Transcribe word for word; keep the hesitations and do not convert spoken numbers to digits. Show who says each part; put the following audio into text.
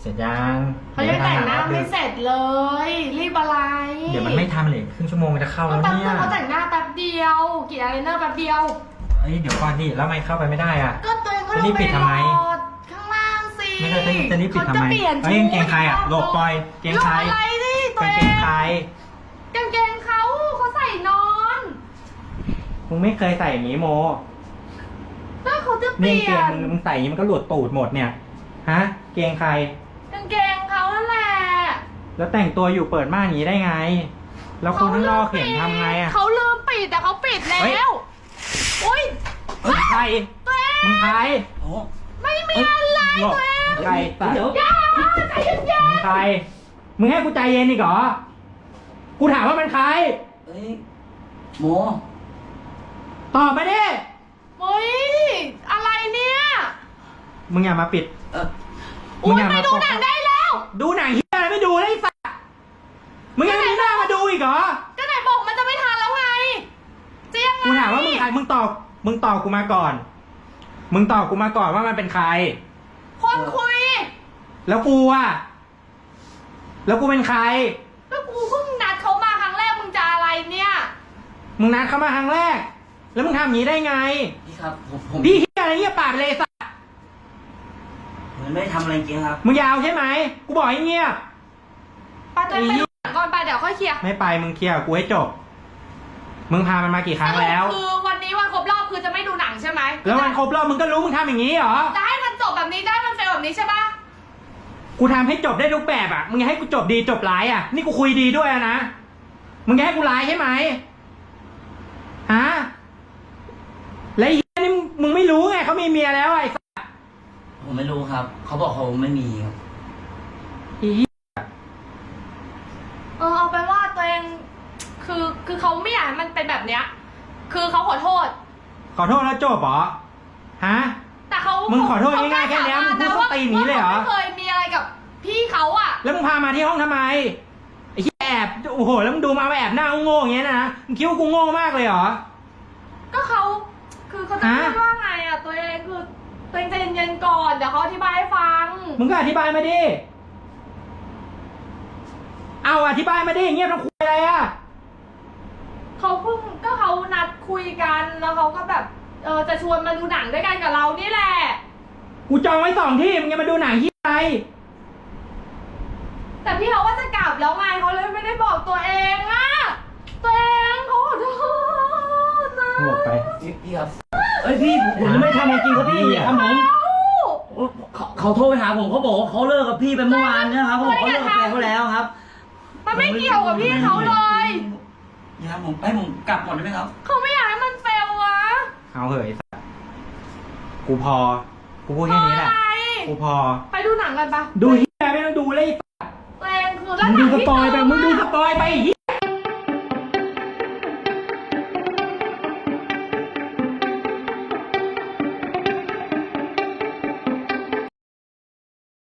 Speaker 1: ร็จยัง
Speaker 2: เขายังแต่งหน้าไม่เสร็จเลยรีบอะไร
Speaker 1: เดี๋ยวมันไม่ทำเลยครึ่งชั่วโมงจะเข้าแล้วเนี่ย
Speaker 2: เขาแต่งหน้าแป๊บเดียวกี่อะไรเนอร์แป๊บเดียว
Speaker 1: เฮ้ยเดี๋ยวก่อนดิแล้วไม่เข้าไปไม่ได้อ่ะ
Speaker 2: ก็ตัวเองก็
Speaker 1: จะรีบปิดทำไม
Speaker 2: ข้างล่างสิ
Speaker 1: ไม่เคยจะรีบปิดทำไมเฮ้ยกางเกงใครอ่ะหลบปล่อยเกงใคร
Speaker 2: อะไรดิตัวเอง
Speaker 1: กางเกงใคร
Speaker 2: กางเกงเขาเขาใส่นอน
Speaker 1: มึงไม่เคยใส่อย่างนี้โม
Speaker 2: ก็เขาจะเปลี่ยน
Speaker 1: เกงมึงใส่อย่างนี้มันก็หลุดตูดหมดเนี่ยฮะเกงใคร
Speaker 2: กางเกงเขานั่นแหละ
Speaker 1: แล้วแต่งตัวอยู่เปิดม่านอย่างนี้ได้ไงแล้วคนข้างนอกเห็นทำไงอ่ะ
Speaker 2: เขาลืมปิดแต่เขาปิดแล้วอุ้ย
Speaker 1: มึงใครมึงใคร
Speaker 2: ไม่มีอะไรตัวเอง
Speaker 1: ใครตัด
Speaker 2: อย่าใจเย็นๆ
Speaker 1: มึงใครมึงให้กูใจเย็นอีกเหรอกูถามว่ามันใคร
Speaker 3: เฮ้ยโม
Speaker 1: ตอบมาดิ
Speaker 2: โอ้ยอะไรเนี่ย
Speaker 1: มึงอย่ามาปิด
Speaker 3: เออ
Speaker 2: มึงอย่ามาดูหนังได้แล้ว
Speaker 1: ดูหนังเฮียอะไรไม่ดูเลยไอ้สัสมึงยังมีหน้ามาดูอีกเหรอ
Speaker 2: ก็ไหนบอกมันจะไม่ทันแล้วไงจะยังไง
Speaker 1: กูถามว่ามึงใครมึงตอบมึงตอบกูมาก่อนมึงตอบกูมาก่อนว่ามันเป็นใคร
Speaker 2: คนคุย
Speaker 1: แล้วกูอ่ะแล้วกูเป็นใคร
Speaker 2: แล้วกูเพิ่งนัดเขามาครั้งแรกมึงจะอะไรเนี่ย
Speaker 1: มึงนัดเขามาครั้งแรกแล้วมึงทำอย่างนี้ได้ไง
Speaker 3: พี่ครับผมผม
Speaker 1: พี่เฮียอะไรเฮียปากเลยสัส
Speaker 3: มันไม่ได้ทำอะไรจริงครับ
Speaker 1: มึงยาวใช่ไหมกูบอกให้เงียบ
Speaker 2: ป้าจะไปดูหนังก่อนไปเดี๋ยวค่อยเคลียร์
Speaker 1: ไม่ไปมึงเคลียร์กูให้จบมึงพามันมากี่ครั้งแล้ว
Speaker 2: คือวันนี้วันครบรอบคือจะไม่ดูหนังใช่ไหม
Speaker 1: แล้ววันครบรอบมึงก็รู้มึงทำอย่างนี้เหรอ
Speaker 2: จะให้มันจบแบบนี้ได้มันเฟลแบบนี้ใช่ปะ
Speaker 1: กูทำให้จบได้ทุกแบบอ่ะมึงอยากให้กูจบดีจบร้ายอ่ะนี่กูคุยดีด้วยนะมึงอยากให้กูร้ายใช่ไหมฮะแล้วไอ้นี่มึงไม่รู้ไงเขามีเมียแล้วไอ้สัส
Speaker 3: ผมไม่รู้ครับเขาบอกเขาไม่มีครับ
Speaker 1: อี
Speaker 2: เออเอาไปว่าตัวเองคือคือเขาไม่อยากให้มันเป็นแบบเนี้ยคือเขาขอโทษ
Speaker 1: ขอโทษแล้วจบเหรอฮะ
Speaker 2: แต่เขา
Speaker 1: มึงขอโทษง่ายๆแค่นี้มึงพูดเขาตีหนีเลยเหรอ
Speaker 2: ไม่เคยมีอะไรกับพี่เขาอ่ะ
Speaker 1: แล้วมึงพามาที่ห้องทำไมไอ้แอบโอ้โหแล้วมึงดูมาแอบหน้าโง่อย่างเงี้ยนะมึงคิดว่ากูโง่มากเลยเหรอ
Speaker 2: ก็เขาคือเขาจะพูดว่าไงอ่ะตัวเองคือตัวเองใจเย็นๆก่อนเดี๋ยวเขาอธิบายให้ฟัง
Speaker 1: มึงก็อธิบายมาดิเอาอธิบายมาดิเงียบทั้งคุยอะไรอ่ะ
Speaker 2: เขาเพิ่งก็เขานัดคุยกันแล้วเขาก็แบบเออจะชวนมาดูหนังด้วยกันกับเรานี่แหละ
Speaker 1: กูจองไว้สองที่มึงจะมาดูหนังที่ไหน
Speaker 2: แต่พี่เขาว่าจะกลับแล้วไงเขาเลยไม่ได้บอกตัวเองอะตัวเองเขาขอโทษนะ
Speaker 1: บอกไป
Speaker 3: พี่ครับเอ้ยพี่ผมไม่ทำจริงครับพี่ครับผมเขาโทรไปหาผมเขาบอกว่าเขาเลิกกับพี่ไปเมื่อวานนะครับผมเขาเลิกกับแฟนเขาแล้วครับ
Speaker 2: มันไม่เกี่ยวกับพี่เขาเลย
Speaker 3: อย่าผมให้ผมกลับก่อนได้ไหมครับ
Speaker 2: เขาไม่อยากให้มันเฟลวะ
Speaker 1: เอาเหยกูพอกูพูดแค่นี้แหละกูพอ
Speaker 2: ไปดูหนังกันปะ
Speaker 1: ดูเฮียไม่ต้องดูเลย
Speaker 2: ตัวเองคือ
Speaker 1: มึงดูสปอยไปมึงดูสปอยไป